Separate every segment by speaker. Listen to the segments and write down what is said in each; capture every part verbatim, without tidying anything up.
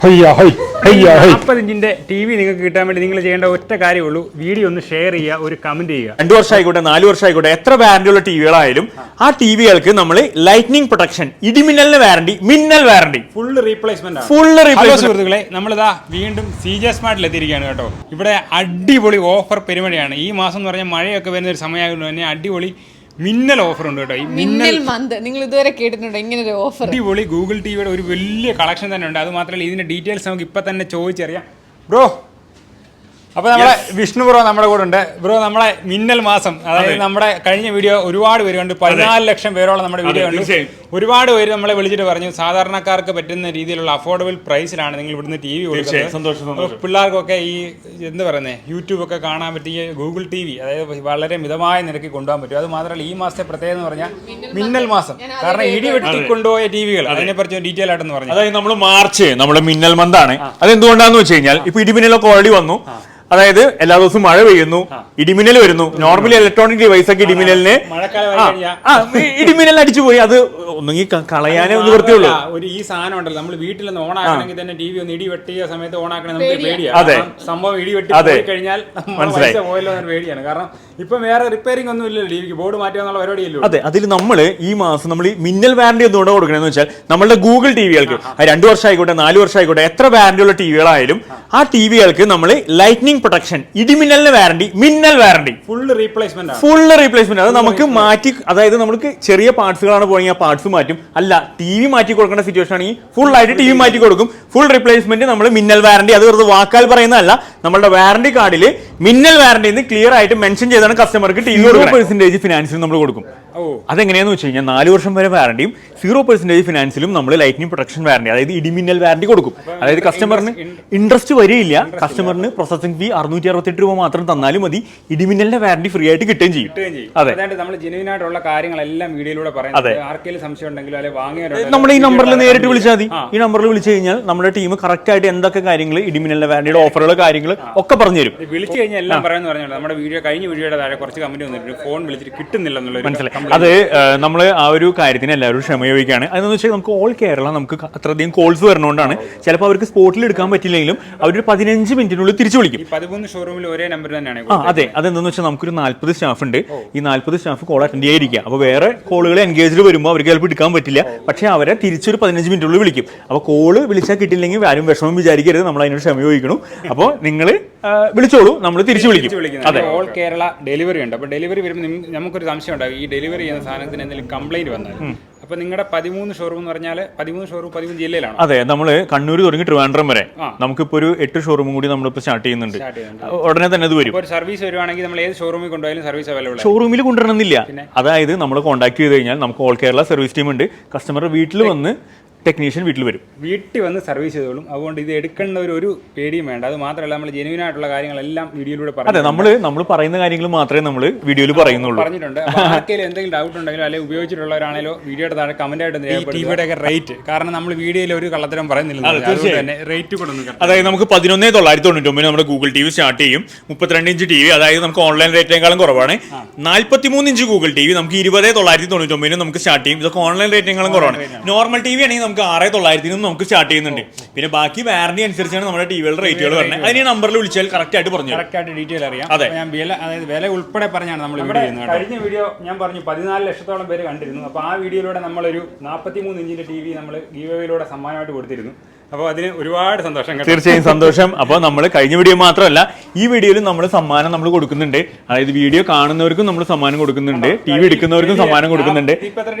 Speaker 1: നാൽപ്പത് ഇഞ്ചിന്റെ T V നിങ്ങൾക്ക് കിട്ടാൻ വേണ്ടി നിങ്ങൾ ചെയ്യേണ്ട ഒറ്റ കാര്യമുള്ളൂ, വീഡിയോ ഒന്ന് ഷെയർ ചെയ്യുക, ഒരു കമന്റ് ചെയ്യുക.
Speaker 2: രണ്ടു വർഷം ആയിക്കോട്ടെ, നാല് വർഷം ആയിക്കോട്ടെ, എത്ര വാറന്റിയുള്ള ടിവികളായാലും ആ ടിവികൾക്ക് നമ്മൾ ലൈറ്റ്നിങ് പ്രൊട്ടക്ഷൻ, ഇടിമിന്നലിന് വാറന്റി, മിന്നൽ warranty,
Speaker 1: full replacement
Speaker 2: full replacement.
Speaker 1: സുഹൃത്തുക്കളെ, നമ്മളിതാ വീണ്ടും സി ജെ സ്മാർട്ടിൽ എത്തിയിരിക്കുകയാണ് കേട്ടോ. ഇവിടെ അടിപൊളി ഓഫർ പെരുമഴയാണ്. ഈ മാസം എന്ന് പറഞ്ഞാൽ മഴയൊക്കെ വരുന്ന ഒരു സമയമായതുകൊണ്ട് തന്നെ അടിപൊളി മിന്നൽ ഓഫർ ഉണ്ട് കേട്ടോ. ഈ മിന്നൽ
Speaker 3: മന്ത് നിങ്ങൾ ഇതുവരെ കേട്ടിട്ടുണ്ടോ ഇങ്ങനെ ഒരു ഓഫർ?
Speaker 1: അടിപൊളി ഗൂഗിൾ ടിവിയുടെ ഒരു വലിയ കളക്ഷൻ തന്നെ ഉണ്ട്. അത് മാത്രമല്ല ഇതിന്റെ ഡീറ്റെയിൽസ് നമുക്ക് ഇപ്പൊ തന്നെ ചോദിച്ചറിയാം. ബ്രോ, അപ്പൊ നമ്മളെ വിഷ്ണു ബ്രോ നമ്മുടെ കൂടെ ഉണ്ട്. ബ്രോ, നമ്മളെ മിന്നൽ മാസം, അതായത് നമ്മുടെ കഴിഞ്ഞ വീഡിയോ ഒരുപാട് പേര് കണ്ടു, പതിനാല് ലക്ഷം പേരോളം നമ്മുടെ വീഡിയോ കണ്ടു. ഒരുപാട് പേര് നമ്മളെ വിളിച്ചിട്ട് പറഞ്ഞു സാധാരണക്കാർക്ക് പറ്റുന്ന രീതിയിലുള്ള അഫോർഡബിൾ പ്രൈസിലാണ് നിങ്ങൾ ഇവിടുന്ന് ടി വി കൊടുക്കുന്നത്. പിള്ളേർക്കൊക്കെ ഈ എന്താ പറയുന്നത് യൂട്യൂബ് ഒക്കെ കാണാൻ പറ്റിയ ഗൂഗിൾ ടി വി, അതായത് വളരെ മിതമായ നിരക്കിൽ കൊണ്ടുപോകാൻ പറ്റും. അത് മാത്രമല്ല ഈ മാസത്തെ പ്രത്യേകത എന്ന് പറഞ്ഞാൽ മിന്നൽ മാസം, കാരണം ഇടി വെട്ടി കൊണ്ടുപോയ ടി വികൾ, അതിനെ പറ്റി ഡീറ്റെയിൽ ആയിട്ടെന്ന് പറഞ്ഞു.
Speaker 2: അതായത് നമ്മൾ മാർച്ച് നമ്മുടെ മിന്നൽ മന്താണ്. അതെന്തുകൊണ്ടാന്ന് വെച്ച് കഴിഞ്ഞാൽ ഇപ്പൊ ഇടിമിന്നലൊക്കെ ഓൾറെഡി വന്നു. അതായത് എല്ലാ ദിവസവും മഴ പെയ്യുന്നു, ഇടിമിന്നൽ വരുന്നു. നോർമലി ഇലക്ട്രോണിക് ഡിവൈസ് ഒക്കെ ഇടിമിന്നലിന് ഇടിമിന്നൽ അടിച്ചു പോയി, അത് ഒന്നെങ്കിൽ കളയാനേ ഒന്ന് വൃത്തിയുള്ളൂ.
Speaker 1: ഒരു ഈ സാധനം ഉണ്ടല്ലോ, നമ്മൾ വീട്ടിൽ നിന്ന് ഓൺ ആക്കണമെങ്കിൽ തന്നെ ടി വി ഒന്ന് ഇടി വെട്ടിയ സമയത്ത് ഓൺ ആക്കണേ നമുക്ക് പേടിയാണ്. സംഭവം ഇടി വെട്ടി പോയി കഴിഞ്ഞാൽ പൈസ പോയല്ലോ എന്ന് പേടിയാണ്. കാരണം ഇപ്പൊ വേറെ റിപ്പയറിംഗ് ഒന്നും ഇല്ലല്ലോ, ടിവിക്ക് ബോർഡ് മാറ്റുക എന്നുള്ള പരിപാടിയല്ലോ.
Speaker 2: അതെ, അതിൽ നമ്മൾ ഈ മാസം നമ്മൾ ഈ മിന്നൽ വാറന്റി എന്തുകൊണ്ട് കൊടുക്കണമെന്ന് വെച്ചാൽ നമ്മളുടെ ഗൂഗിൾ ടിവികൾക്ക് രണ്ടു വർഷം ആയിക്കോട്ടെ, നാല് വർഷം ആയിക്കോട്ടെ, എത്ര വാറന്റിയുള്ള ടിവികളായാലും ആ ടിവികൾക്ക് നമ്മൾ ലൈറ്റ്നിങ് പ്രൊട്ടക്ഷൻ, ഇടിമിന്നലിന് വാറന്റി, മിന്നൽ warranty,
Speaker 1: full replacement
Speaker 2: full replacement. അത് നമുക്ക് മാറ്റി, അതായത് നമുക്ക് ചെറിയ പാർട്സുകളാണ് പോയെങ്കിൽ ആ പാർട്സ് മാറ്റും. അല്ല, ടി വി മാറ്റി കൊടുക്കേണ്ട സിറ്റുവേഷൻ ആണെങ്കിൽ ഫുൾ ആയിട്ട് ടി വി മാറ്റി കൊടുക്കും. ഫുൾ റീപ്ലേസ്മെന്റ്, നമ്മൾ മിന്നൽ വാറന്റി. അത് വെറുതെ വാക്കാൽ പറയുന്നതല്ല, നമ്മുടെ വാറന്റി കാർഡിൽ മിന്നൽ വാറന്റി എന്ന് ക്ലിയർ ആയിട്ട് മെൻഷൻ ചെയ്താണ് കസ്റ്റമർക്ക് ടി വി പെർസെന്റേജ് ഫിനാൻസിൽ നമ്മൾ കൊടുക്കും. അതെങ്ങനെയാന്ന് വെച്ച് കഴിഞ്ഞാൽ നാല് വർഷം വരെ വാറന്റിയും സീറോ പെർസെന്റേജ് ഫിനാൻസിലും നമ്മൾ ലൈറ്റ്നിങ് പ്രൊട്ടക്ഷൻ വാറന്റി, അതായത് ഇടിമിന്നൽ വാറന്റി കൊടുക്കും. അതായത് കസ്റ്റമറിന് ഇൻട്രസ്റ്റ് വരികയില്ല. കസ്റ്റമറിന് പ്രോസസിംഗ് ഫീ അറുന്നൂറ്റി അറുപത്തെട്ട് രൂപ മാത്രം തന്നാലും മതി, ഇടിമിന്നലിന്റെ വാറന്റി ഫ്രീ ആയിട്ട് കിട്ടുകയും ചെയ്യും.
Speaker 1: അതെ, നമ്മൾ ജെന്യുയിൻ ആയിട്ടുള്ള കാര്യങ്ങളെല്ലാം വീഡിയോയിലൂടെ പറയുന്നത്. ആർക്കെങ്കിലും സംശയം ഉണ്ടെങ്കിലും അല്ലെങ്കിൽ വാങ്ങിയ
Speaker 2: നമ്മൾ ഈ നമ്പറിൽ നേരിട്ട് വിളിച്ചാൽ മതി. ഈ നമ്പറിൽ വിളിച്ചു കഴിഞ്ഞാൽ നമ്മുടെ ടീം കറക്റ്റ് ആയിട്ട് എന്തൊക്കെ കാര്യങ്ങൾ, ഇടിമിന്നലിന്റെ വാറന്റിയുടെ ഓഫറുകൾ, കാര്യങ്ങൾ ഒക്കെ പറഞ്ഞു തരും.
Speaker 1: വിളിച്ചു കഴിഞ്ഞാൽ എല്ലാം പറയാന്ന് പറഞ്ഞാൽ നമ്മുടെ വീഡിയോ കഴിഞ്ഞ വീഡിയോയുടെ താഴെ കുറച്ച് കമന്റ് വന്നിട്ടുണ്ട്, ഫോൺ വിളിച്ചിട്ട് കിട്ടുന്നില്ല എന്നുള്ളത് മനസ്സിലായി.
Speaker 2: അത് നമ്മൾ ആ ഒരു കാര്യത്തിന് എല്ലാവരും ക്ഷമയോഗിക്കുകയാണ്. അതെന്ന് വെച്ചാൽ നമുക്ക് ഓൾ കേരള നമുക്ക് അത്രയധികം കോൾസ് വരുന്നതുകൊണ്ടാണ് ചിലപ്പോൾ അവർക്ക് സ്പോട്ടിൽ എടുക്കാൻ പറ്റില്ലെങ്കിലും അവരൊരു പതിനഞ്ച് മിനിറ്റിനുള്ളിൽ തിരിച്ചു വിളിക്കും.
Speaker 1: പതിമൂന്ന് ഷോറൂമിൽ ഒരേ നമ്പർ തന്നെയാണ്.
Speaker 2: ആ അതെ, അതെന്താന്ന് വെച്ചാൽ നമുക്കൊരു നാല്പത് സ്റ്റാഫ് ഉണ്ട്. ഈ നാല്പത് സ്റ്റാഫ് കോൾ അറ്റൻഡ് ചെയ്യാതിരിക്കുക. അപ്പോൾ വേറെ കോളുകൾ എൻഗേജ്ഡ് വരുമ്പോൾ അവർക്ക് ചിലപ്പോൾ എടുക്കാൻ പറ്റില്ല. പക്ഷേ അവരെ തിരിച്ചൊരു പതിനഞ്ച് മിനിറ്റിനുള്ളിൽ വിളിക്കും. അപ്പോൾ കോള് വിളിച്ചാൽ കിട്ടില്ലെങ്കിൽ ആരും വിഷമം വിചാരിക്കരുത്, നമ്മൾ അതിനോട് ക്ഷമ ചോദിക്കണം. അപ്പോൾ നിങ്ങൾ വിളിച്ചോളൂ, നമ്മൾ തിരിച്ചു വിളിക്കും.
Speaker 1: അതെ, ഓൾ കേരള ഡെലിവറി ഉണ്ട്. അപ്പോൾ ഡെലിവറി വരുമ്പോൾ നമുക്കൊരു സംശയം ഉണ്ടാകും, ഈ ഡെലിവറി ചെയ്യുന്ന സാധനത്തിന് എന്തെങ്കിലും കംപ്ലൈന്റ് വന്നാൽ. അപ്പൊ നിങ്ങളുടെ പതിമൂന്ന് ഷോറൂം എന്ന് പറഞ്ഞാൽ പതിമൂന്ന് ഷോറൂം പതിമൂന്ന് ജില്ലയിലാണ്.
Speaker 2: അതെ, നമ്മൾ കണ്ണൂർ തുടങ്ങി ട്രിവാൻഡ്രം വരെ നമുക്കിപ്പോ ഒരു എട്ട് ഷോറൂമും കൂടി നമ്മളിപ്പോ സ്റ്റാർട്ട് ചെയ്യുന്നുണ്ട്. ഉടനെ തന്നെ അത് വരും.
Speaker 1: ഒരു സർവീസ് വരുവാണെങ്കിൽ നമ്മൾ ഏത് ഷോറൂമിൽ കൊണ്ടുപോയാലും സർവീസ് അവൈലബിൾ.
Speaker 2: ഷോറൂമിൽ കൊണ്ടുവരണമെന്നില്ല. അതായത് നമ്മൾ കോൺടാക്ട് ചെയ്ത് കഴിഞ്ഞാൽ നമുക്ക് ഓൾ കേരള സർവീസ് ടീം ഉണ്ട്. കസ്റ്റമറുടെ വീട്ടിൽ വന്ന് ടെക്നീഷ്യൻ വീട്ടിൽ വരും,
Speaker 1: വീട്ടിൽ വന്ന് സർവീസ് ചെയ്തോളും. അതുകൊണ്ട് ഇത് എടുക്കേണ്ട ഒരു ഒരു പേടിയും വേണ്ട. അത് മാത്രമല്ല, നമ്മൾ ജെന്യുയിൻ ആയിട്ടുള്ള കാര്യങ്ങളെല്ലാം വീഡിയോയിലൂടെ പറഞ്ഞു.
Speaker 2: അതെ, നമ്മൾ നമ്മൾ പറയുന്ന കാര്യങ്ങൾ മാത്രമേ നമ്മൾ വീഡിയോയിൽ പറയുന്നുള്ളൂ.
Speaker 1: പറഞ്ഞിട്ടുണ്ട്. ആർക്കെങ്കിലും എന്തെങ്കിലും ഡൗട്ട് ഉണ്ടെങ്കിലോ അല്ലെങ്കിൽ ഉപയോഗിച്ചിട്ടുള്ളവരാണെങ്കിലോ വീഡിയോയുടെ താഴെ കമന്റ് ആയിട്ട് ടിവിയുടെ ഒക്കെ റേറ്റ്, കാരണം നമ്മൾ വീഡിയോയിൽ ഒരു കള്ളത്തരം പറയുന്നില്ല, തന്നെ റേറ്റ് കൊടുക്കുന്നു.
Speaker 2: അതായത് നമുക്ക് പതിനൊന്നേ തൊള്ളായിരത്തി തൊണ്ണൂറ്റി ഒമ്പത് നമ്മുടെ ഗൂഗിൾ ടി വി സ്റ്റാർട്ട് ചെയ്യും. മുപ്പത്തിരണ്ട് ഇഞ്ച് ടി വി, അതായത് നമുക്ക് ഓൺലൈൻ റേറ്റിനേക്കാളും കുറവാണ്. നാല്പത്തിമൂന്ന് ഇഞ്ച് ഗൂഗിൾ ടി വി നമുക്ക് ഇരുപതേ തൊള്ളായിരത്തി തൊണ്ണൂറ്റി ഒമ്പതിന് നമുക്ക് സ്റ്റാർട്ട് ചെയ്യും. ഇതൊക്കെ ഓൺലൈൻ റേറ്റിനേക്കാളും കുറവാണ്. നോർമൽ ടി വി ആണെങ്കിൽ നമുക്ക് ആറേ തൊള്ളായിരത്തി നമുക്ക് സ്റ്റാർട്ട് ചെയ്യുന്നുണ്ട്. പിന്നെ ബാക്കി വാറന്റി അനുസരിച്ചാണ് നമ്മുടെ ടിവികളുടെ റേറ്റുകൾ വരുന്നത്. അതിന് നമ്പറിൽ വിളിച്ചാൽ കറക്റ്റ് ആയിട്ട് പറഞ്ഞു,
Speaker 1: കറക്റ്റ് ആയിട്ട് ഡീറ്റെയിൽ അറിയാം. അതെ, ഞാൻ വില, അതായത് വില ഉൾപ്പെടെ പറഞ്ഞാണ് നമ്മൾ വീഡിയോ ചെയ്യുന്നത്. കഴിഞ്ഞ വീഡിയോ ഞാൻ പറഞ്ഞു പതിനാല് ലക്ഷത്തോളം പേര് കണ്ടിരുന്നു. അപ്പോൾ ആ വീഡിയോയിലൂടെ നമ്മളൊരു നാൽപ്പത്തിമൂന്ന് ഇഞ്ചിന്റെ ടി വി നമ്മൾ ഗീവവേയിലൂടെ സമ്മാനമായിട്ട് കൊടുത്തിരുന്നു. അപ്പോൾ അതിന് ഒരുപാട് സന്തോഷം.
Speaker 2: തീർച്ചയായും സന്തോഷം. അപ്പോൾ നമ്മൾ കഴിഞ്ഞ വീഡിയോ മാത്രമല്ല ഈ വീഡിയോയിലും നമ്മൾ സമ്മാനം നമ്മൾ കൊടുക്കുന്നുണ്ട്. അതായത് വീഡിയോ കാണുന്നവർക്കും നമ്മൾ സമ്മാനം കൊടുക്കുന്നുണ്ട്, ടി വി എടുക്കുന്നവർക്കും സമ്മാനം കൊടുക്കുന്നുണ്ട്.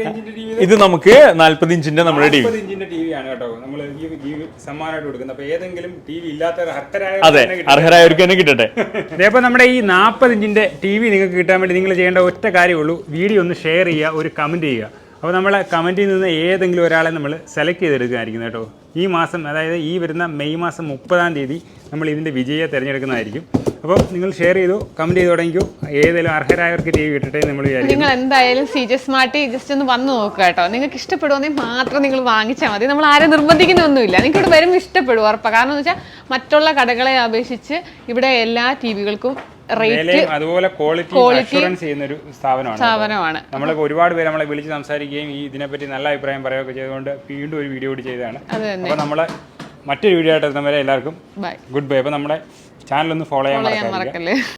Speaker 2: ഇത് നമുക്ക് നാല്പത് ഇഞ്ചിന്റെ നമ്മുടെ ടി വി
Speaker 1: ഇഞ്ചിന്റെ ടി വി ആണ് കേട്ടോ നമ്മൾ സമ്മാനമായിട്ട് കൊടുക്കുന്നത്. അപ്പോൾ ഏതെങ്കിലും ടി വി ഇല്ലാത്തവർ അർഹരായ
Speaker 2: അതെ അർഹരായവർക്ക് തന്നെ കിട്ടട്ടെ.
Speaker 1: അതേപോലെ നമ്മുടെ ഈ നാൽപ്പത് ഇഞ്ചിന്റെ ടി വി നിങ്ങൾക്ക് കിട്ടാൻ വേണ്ടി നിങ്ങൾ ചെയ്യേണ്ട ഒറ്റ കാര്യമുള്ളൂ, വീഡിയോ ഒന്ന് ഷെയർ ചെയ്യുക, ഒരു കമന്റ് ചെയ്യുക. അപ്പോൾ നമ്മളെ കമന്റിൽ നിന്ന് ഏതെങ്കിലും ഒരാളെ നമ്മൾ സെലക്ട് ചെയ്തെടുക്കുകയായിരിക്കും കേട്ടോ. ഈ മാസം, അതായത് ഈ വരുന്ന മെയ് മാസം മുപ്പതാം തീയതി നമ്മൾ ഇതിൻ്റെ വിജയിയെ തിരഞ്ഞെടുക്കുന്നതായിരിക്കും. അപ്പോൾ നിങ്ങൾ ഷെയർ ചെയ്തു, കമന്റ് ചെയ്ത് തുടങ്ങിക്കോ. ഏതെങ്കിലും അർഹരായവർക്ക് ടി വി കിട്ടട്ടെ നമ്മൾ വിചാരിക്കും.
Speaker 3: നിങ്ങൾ എന്തായാലും സി ജെ സ്മാർട്ട് ജസ്റ്റ് ഒന്ന് വന്ന് നോക്കുക കേട്ടോ. നിങ്ങൾക്ക് ഇഷ്ടപ്പെടുമെങ്കിൽ മാത്രം നിങ്ങൾ വാങ്ങിച്ചാൽ മതി. നമ്മൾ ആരും നിർബന്ധിക്കുന്നൊന്നുമില്ല. നിങ്ങൾക്ക് ഇവിടെ വരുമ്പോൾ ഇഷ്ടപ്പെടും ഉറപ്പാണ്. കാരണം എന്ന് വെച്ചാൽ മറ്റുള്ള കടകളെ അപേക്ഷിച്ച് ഇവിടെ എല്ലാ ടി വികൾക്കും
Speaker 1: അതുപോലെ ക്വാളിറ്റി അഷുറൻസ് ചെയ്യുന്ന ഒരു സ്ഥാപനമാണ്. നമ്മളിപ്പോൾ ഒരുപാട് പേര് നമ്മളെ വിളിച്ച് സംസാരിക്കുകയും ഈ ഇതിനെപ്പറ്റി നല്ല അഭിപ്രായം പറയുകയൊക്കെ ചെയ്തുകൊണ്ട് വീണ്ടും ഒരു വീഡിയോ കൂടി ചെയ്തതാണ്. അപ്പോൾ നമ്മളെ മറ്റൊരു വീഡിയോ ആയിട്ട് എത്തുന്നവരെ എല്ലാവർക്കും
Speaker 3: ബൈ
Speaker 1: ഗുഡ് ബൈ. അപ്പോൾ നമ്മുടെ ചാനൽ ഒന്ന് ഫോളോ ചെയ്യാൻ
Speaker 3: ഫോളോ ചെയ്യാൻ
Speaker 1: മറക്കാതിരിക്കുക.
Speaker 3: മറക്കല്ലേ.